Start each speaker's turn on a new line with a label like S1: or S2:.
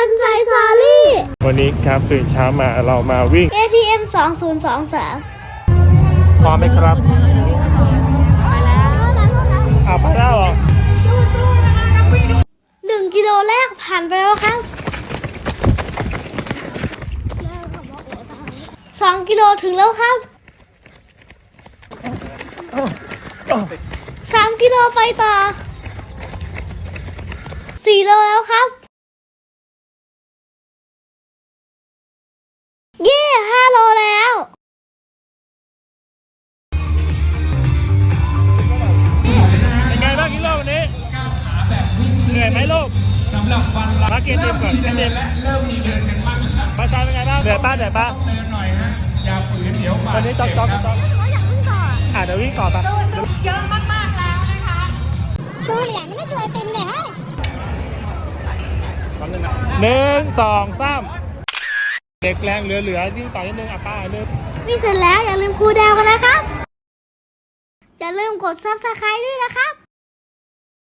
S1: นไซซารี่
S2: วันนี้ครับตื่นเช้ามาเรามาวิ่ง
S1: ATM 2023
S2: พร้อมไหมครับไปแล้วเหรอ
S1: 1 กิโลแรกผ่านไปแล้วครับ2 กิโลถึงแล้วครับ3 กิโลไปต่อ4 โลแล้วครับเย่5 โลแล้ว
S2: เป็นไงบ้างกิโลวันนี้เหนื่อยไหมลูกสำหรับฟันมาเกียร์เต็มก่อนเต็มและเริ่มมีเดินกันบ้างครับมาชาเป็นไงบ้างเหนื่อยป้าเดินหน่อยฮะอย่าฝืนเดี๋ยววันนี้จ๊อกเดี๋ยววิ่งต่อไป
S3: เยอะมากๆแล้วนะคะ
S1: ชูเหรียญไม่ได้ช่วยเต็มเลยฮะ
S2: 1 2 3เด็กแรงเหลือยิ่งต่อนิดนึงป้าเริ่ม
S1: นี่เสร็จแล้วอย่าลืมคูลดาวน์กันนะครับ อย่าลืมกด Subscribe ด้วยนะครับ